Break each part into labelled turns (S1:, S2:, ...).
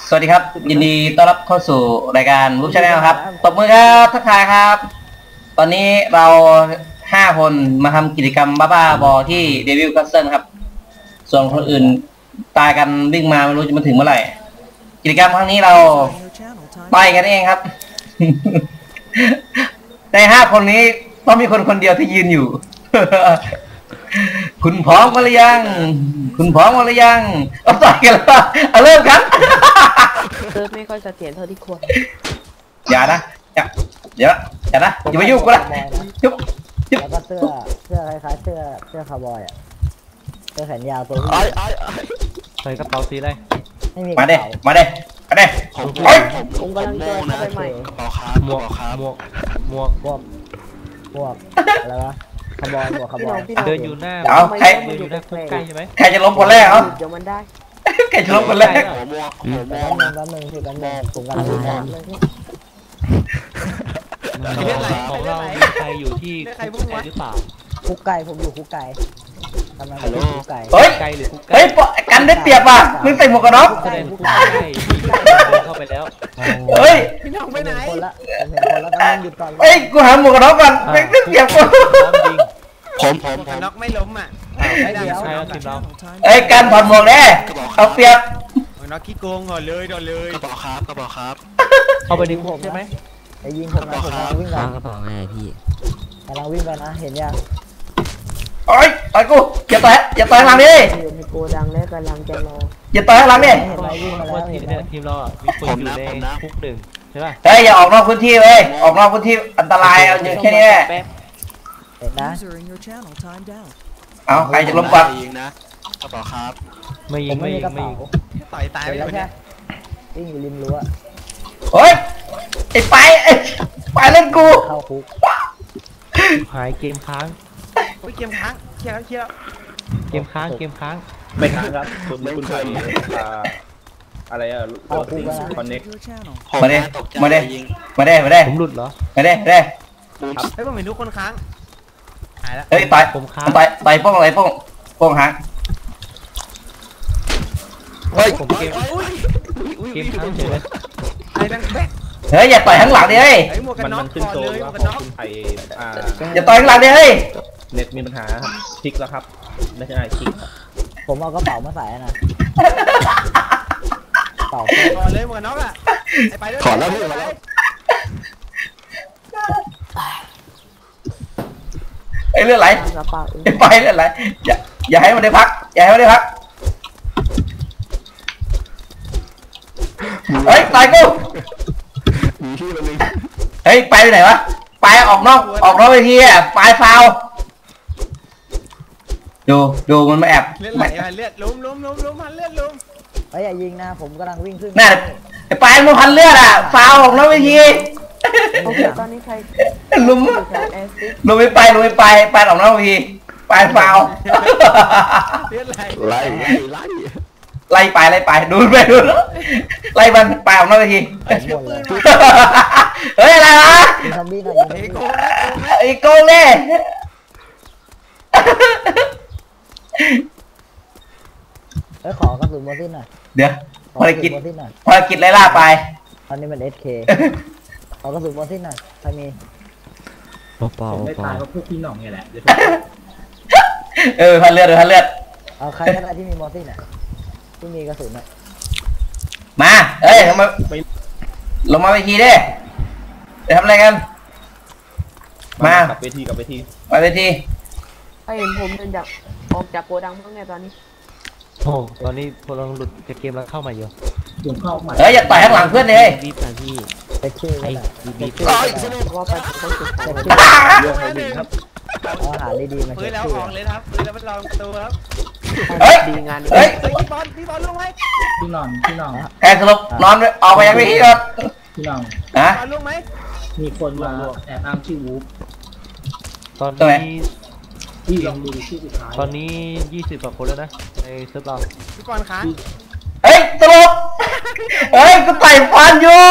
S1: สวัสดีครับยินดีต้อนรับเข้าสู่รายการรูปชาแนลครับตบมือครับทักทายครับตอนนี้เรา5 คนมาทำกิจกรรมบ้าๆบอที่เดวิลคัสเซิลครับส่วนคนอื่นตายกันวิ่งมาไม่รู้จะมาถึงเมื่อไหร่กิจกรรมครั้งนี้เราต่อยกันเองครับ ใน5 คนนี้ต้องมีคนเดียวที่ยืนอยู่ คุณพร้อมมาหรือยังคุณพร้อมมาหรือยังเอาต่อยกันแล้วเอาเริ่มครับ
S2: ไม่ค่อยเสถียรเท่าที่ควร
S1: อย่านะอย่านะอย่ามายุ่งกูละยุบ
S3: แล้วก็เสื้อคล้ายๆเสื้อคาวบอยอ่ะเสื้อแขนยาวตัวนี้
S4: ใส่กระเป๋าสีอะไร
S3: ไม่มี
S1: มาเด้
S2: ผมกำลังเจอเข้าไปใหม่
S4: กระเป๋าครับหมวก
S3: อะไรวะคาวบอยหมวกคาวบอย
S4: เดินอยู่หน้า
S1: ใคร
S4: ใกล้ใช่ไหม
S1: ใครจะล้มคนแรกเอา
S2: เดี๋ยวมันได้
S1: ใครจะล้มคนแรก
S3: แล้วมึงคือกันแม่ผมกันเลย
S4: ของเรามีใครอยู่ที่คุกไก่หรือเปล่า
S3: คุกไก่ผมอยู่คุกไก่กำลังอยู่คุกไก่
S1: เฮ้ย
S4: ไก่หรือคุกไก่
S1: เฮ้ยกันได้เปรียบว่ะมึงใส่หมวกกันน็อก
S4: เข้าไปแล้ว
S1: เฮ้ย
S3: พี่น้องไปไหนคนละต้องหยุดก่อน
S1: เฮ้ยกูหาหมวกกันน็อกก่อนไม่ได้เปรียบกู
S4: ผม
S5: น็อกไม่ล้มอ่ะ
S4: ไม่ได้ใช่แล้วทีมเรา
S1: เฮ้ยกันถอดหมวกแน่เอาเปรียบ
S5: น็อกขี้โกงก่อนเลย
S4: กระเป๋าครับเข้าไปดึงผมใช่ไหม
S3: ไอ้ยิงผมนะผมกำลังวิ่งไป
S6: กระเป๋าไงพี่
S3: กำลังวิ่งไปนะเห็นยัง
S1: โอ้ยต่อยกูอย่าต่อยหลังดิ
S2: อยู่ในโกดังแล้วกำลังจะรอ
S1: อย่าต่อยหลังดิ
S4: ทีมเรามีคนอยู่ในคุก1ใช่ป่ะ
S1: เฮ้ยอย่าออกนอกพื้นที่เว้ยออกนอกพื้นที่อันตรายเอาอยู่แค่นี้แหละ
S3: เห็นนะ
S1: เอาใครจะล้มก่อน
S4: ยิงนะกระเป๋าครับไม่ยิง
S5: ต่อยตายไปแล้วเนี่ย
S3: วิ่งอยู่ริมรั้ว
S1: เฮ้ยไอ้ไปเล่นกู
S3: เข้าคุก
S4: หายเกมค้าง
S5: เกมค้างเคลียร์
S4: เกมค้าง
S7: ไม่ค้างครับคุณใส่อะไรอะโรตีคอนเน็ก
S1: มาได้
S4: ผมหลุดเหรอ
S1: มาได้
S5: ให้ผมเห็นทุกคนค้างหายแล้ว
S1: เฮ้ยต่อยป้องอะไรป้องหาง
S4: เฮ้ยผมเกมค้างเฉยเลย
S5: ไอ้ดังแบ๊ก
S1: เฮ้ยอย่าต่อยข้างหลังดิเฮ้ย
S7: มันขึ้นโซนว่าของคุณไทย
S1: อย่าต่อยข้างหลังดิเฮ้ย
S7: เน็ตมีปัญหาคลิกแล้วครับไม่ใช่คลิก
S3: ผมเอากระเป๋ามาใส่นะ
S5: เป๋าก่อนเลยหมวกกันน็อกอ่ะไปด้วย
S4: ถอดแล้วพี่มาแล้ว
S1: ไอ้เรื่องไหลไปเรื่องไหลอย่าให้มันได้พักเฮ้ยตายกูเฮ้ยไปไหนวะไปออกนอกเวทีอ่ะไปฟาวดูมันมาแอบ
S5: เลือดไหลเลือดล้มพันเลือดล้ม
S3: ไอ้อย่ายิงนะผมกำลังวิ่งขึ้น
S1: น่ะไอ้ไปมันพันเลือดอ่ะฟาวออกนอกเวที
S2: ตอนนี้ใคร
S1: ลุมไม่ไปออกนอกเวทีไปฟาว
S5: เลือดไหล
S1: ไล่ไปดูไล่มันไปออกนอกเวทีเฮ้ยอะไรวะไอ้โกงเนี่ย
S3: ขอกระสุนโมซินหน่อย
S1: เดี๋ยวภารกิจไล่ล่าไป
S3: ตอนนี้มัน SK ขอกระสุนโมซินหน่อยใครมี
S6: เปล่า
S7: ไม่ตายก็พวกพี่หน่องเนี่ยแหละ
S1: พันเลือด
S3: เอาใครก็ได้ที่มีโมซินอ่ะที่มีกระสุนอ่ะ
S1: มาเอ้ยลงมาเวทีดิไปทำอะไรกันมา
S7: กับเวที
S1: มาเวที
S2: เห็นผมเดินออกจากโกดังเพิ่งไงตอนนี้
S4: โอ้ตอนนี้พวกเราหลุดจากเกมแล้วเข้ามาอยู่
S1: อย่าต่อยข้างหลังเพื่อนเลย
S6: บีบนะพี่
S3: ไอ้
S6: บีบ
S2: ว่าไปต้องสุด
S7: เรื่องอะไรครับ
S3: อาหารดีๆมา
S5: เฮ้ยแล้วออกเลยครับแล้วมันลองตัวครับ
S2: ดีงาน
S5: พี่บอลลงไหม
S7: พี่นอน
S1: แอบสลบนอนออกไปยังไม่ที่ครับ
S7: พี่นอน
S5: บอลลงไหม
S7: มีคนมาแอบอ้างชื่อวูฟ
S4: ตอนนี้
S7: ที่ลองดูชื่อสุดท้าย
S4: ตอนนี้20 กว่าคนแล้วนะในเซิร์ฟเรา
S5: พี่บอลค้าง
S1: เฮ้ยสลบกูไต่ฟันอยู่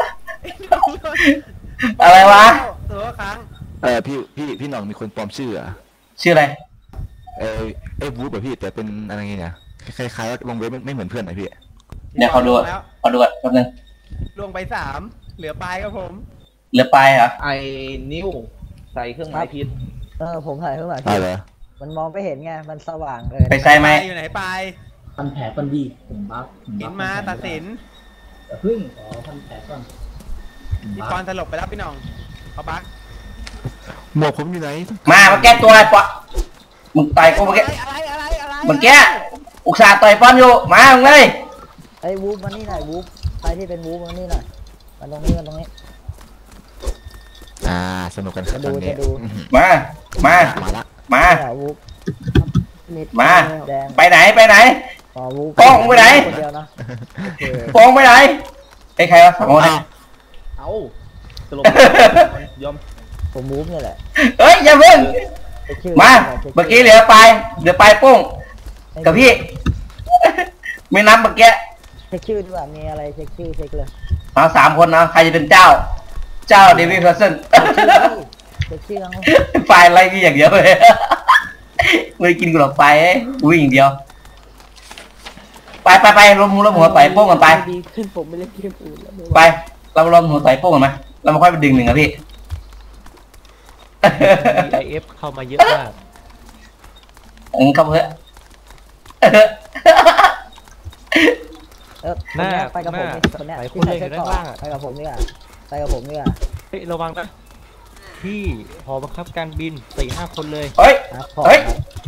S1: อะไรวะ
S5: ตัวค้าง
S6: พี่หน่องมีคนปลอมชื่อ
S1: อะไร
S6: วูฟแบบพี่แต่เป็นอะไรเงี้ยคล้ายๆลงเว็บไม่เหมือนเพื่อนไหนพี่
S1: เนี่ยเขาดูก่อนแป๊บนึง
S5: ลงไป3เหลือปลายครับผม
S1: เหลือปลายเหรอ
S7: ไอ้นิ้วใส่เครื่องหมายผิด
S3: ผมถ่ายข้างหลัง
S6: อะไรเหรอ
S3: มันมองไม่เห็นไงมันสว่างเลย
S1: ไปใส่ไหม
S5: ปลายอยู่ไหนปลาย
S8: พันแผลก่อนดีผมบัฟ
S5: เห็นมาตัดสิน
S8: แต่พึ่งขอพันแผลก่อนผม
S5: พี่
S8: บัฟ
S5: ปอนสลบไปแล้วพี่น้องเขาบัก
S6: หมวกผมอยู่ไหน
S1: มาแก้ตัวไอ้ปะมึงต่อยกูเมื่อกี้
S5: อะไร
S1: เมื่อกี้อุตส่าห์ต่อยป้อนอยู่มามึงเลย
S3: ไอ้วูฟมานี่หน่อยวูฟใครที่เป็นวูฟมานี่หน่อยมาตรงนี้มาตรงนี้
S6: สนุกกันครับ
S3: จะดู
S6: ตอนนี้
S3: จะดู
S1: มามา
S6: มาละ
S1: มา
S3: เนี่ยวูฟ
S1: มา
S3: แดง
S1: ไปไหนไปไหน
S3: อ๋อวูฟ
S1: โป้งไปไหน
S3: คนเดียวนะโอเค
S1: โป้งไปไหนไอ้ใครวะสองคน
S7: เอ้าตลกยอม
S3: ผมวูฟเนี่ยแหละ
S1: เฮ้ยอย่าเพิ่ง
S3: เช็คชื่
S1: มา
S3: ช็คชื่
S1: เมื่อกี้เหลือปลายโป้งกับพี่ ไม่นับเมื่อกี้
S3: เช็คชื่อดีกว่ามีอะไรเช็คชื่อเช็คเลย
S1: เอา3 คนนะใครจะเป็นเจ้าเดวิดเพอร์สัน
S3: เช็คชื่อทั้ง
S1: ไฟอะไรนี่อย่างเดียวเลยไม่กินกูหรอกไฟอุ้ยอย่างเดียวไปรวมหัวต่อยโป้งกันไป
S2: ดีขึ้นผมไม่เล่นเกมอื่นแล้วไม่ไหว
S1: ไปเรารวมหัวต่อยโป้งกันไหมเรามาค่อยไปดึงหนึ่งครับพี่
S4: IF เข้ามาเยอะมาก
S1: ครับเพื่อ
S3: คนเนี้ยไปกับผมนี่คนเนี้ยที่ใส่เสื้อเกราะไปกับผมนี่อ่ะไปกับผมนี่อ่ะ
S4: เฮ้ยระวังนะที่หอบังคับการบิน 4-5 คนเลย
S1: เฮ้ย
S3: นะพอ
S1: เฮ้ย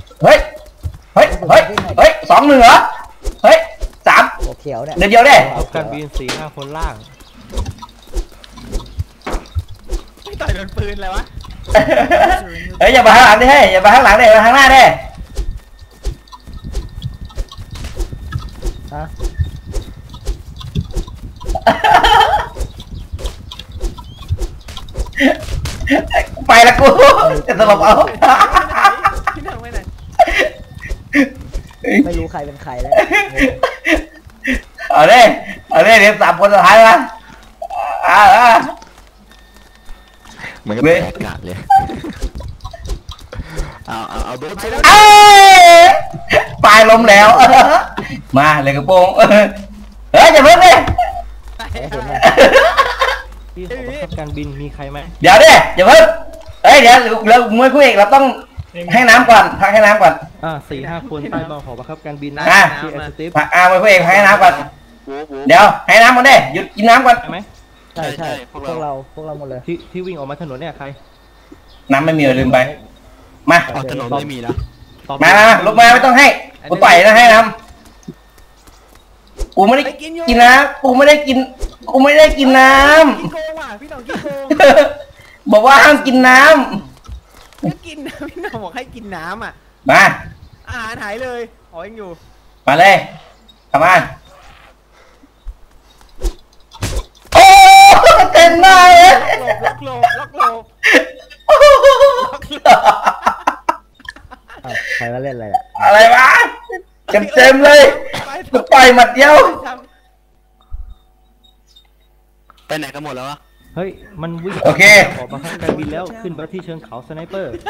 S1: 2-1เหรอเฮ้ย3
S3: หัวเขียวเนี่ย
S1: เดียวได้
S4: หอบังคับการบิน 4-5 คนล่าง
S5: ไม่ต่อยโดนปืนเลยวะ
S1: เฮ้ยอย่ามาข้างหลังดิเฮ้ยอย่ามาข้างหลังดิมาข้างหน้าดิ
S3: ฮะ
S1: ไปละกูจะสลบเอา
S5: พี่น้องไปไหน
S3: ไม่รู้ใครเป็นใครแล้ว
S1: เอาดิเดี๋ยว3 คนสุดท้ายมาอ่า
S6: มันก็แปลกกาดเลยเอาโดนไปแล้ว
S1: เอ้ยปลายล้มแล้ว มาเลยกระโปรงเฮ้ยอย่าเพิ่งดิ
S4: ที่หอบังคับการบินมีใครไหม
S1: เดี๋ยวดิอย่าเพิ่งเฮ้ยเดี๋ยวเรามวยคู่เอกเราต้องให้น้ำก่อนพักให้น้ำก่อน
S4: 4-5 คนใต้บอลหอบังคับการบินนะ
S1: อ่ะ
S4: ที่แอสติฟ
S1: พักมวยคู่เอกพักให้น้ำก่อนเดี๋ยวให้น้ำก่อนดิหยุดกินน้ำก่อน
S4: ใช่ไหม
S3: ใช่พวกเราหมดเลย
S4: ที่วิ่งออกมาถนนเนี่ยใคร
S1: น้ำไม่มีลืมไปมา
S6: ถนนไม่มีแล้ว
S4: ตอบ
S1: มาลุกมาไม่ต้องให้กูต่อยนะให้น้ำกูไม่ได้กินน้ำกูไม่ได้กินน้
S5: กินโกงว่ะพี่น้องกินโกง
S1: ำบอกว่าห้ามกินน้
S5: ก็กินนะพี่น้องบอกให้กินน้ำอ่ะ
S1: ำมา
S5: อาหารหายเลยอ๋อยังอยู่
S1: มาเลยทำมาโอ้เต็มหน้าเลย
S5: ล็อกโลบ
S3: ใครมาเล่นอะไรอ่ะ
S1: อะไรวะเต็มเลยกูต่อยหมัดเดียว
S6: ไปไหนกันหมดแล้ววะ
S4: เฮ้ยมันวิ่ง
S1: โอเค
S4: หอบังคับการบินแล้วขึ้นไปที่เชิงเขาสไนเปอร์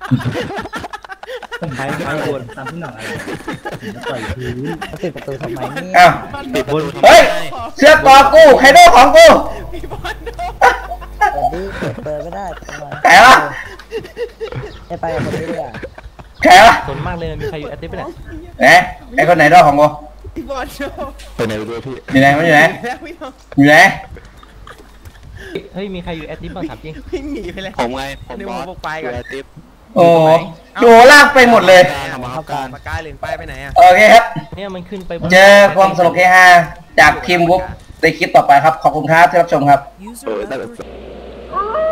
S4: ใครบน
S8: ตามที่หนังอะไรผมจะต่อยพื้น
S3: ปิดประตูทำไมเนี่ย
S1: อ้าว
S4: ติดบน
S1: เฮ้ยเสื้อกอกูไคโดของกู
S5: พี่บอลโดน
S3: เปิดไม่ได้ทำไม
S1: ใครวะ
S3: ให้ไปกับคนนี้ดีกว่า
S1: ใครวะ
S4: ส่วนมากเลยมีใครอยู่แอสติฟไหน
S1: ไหนไอ้คนไหนดอกของกู
S5: พี่บอลโดน
S6: ไปไหนด้วยพี่
S1: อยู่ไหนมันอยู่ไหน
S5: แล้วพี่น้อง
S1: อยู่ไหน
S4: เฮ้ยมีใครอยู่แอสติฟบ้างถามจริง
S5: วิ่งหนีไปเลย
S6: ผมไงผม
S5: เดี๋ยว
S6: บ
S5: ผ
S6: อ
S5: ม
S6: ส
S5: บุกไปก่อน
S6: ติ๊บ
S1: โอ้โหลากไปหมดเลย
S6: ทำมาครับการ
S5: ปากกาเหรียญป้ายไปไหนอ่ะ
S1: โอเคครับ
S4: เนี่ยมันขึ้นไปบน
S1: เจอความสนุกเฮฮาจากทีมวุ๊บในคลิปต่อไปครับ ขอบคุณครับที่รับชมครับ
S6: ได้แบบ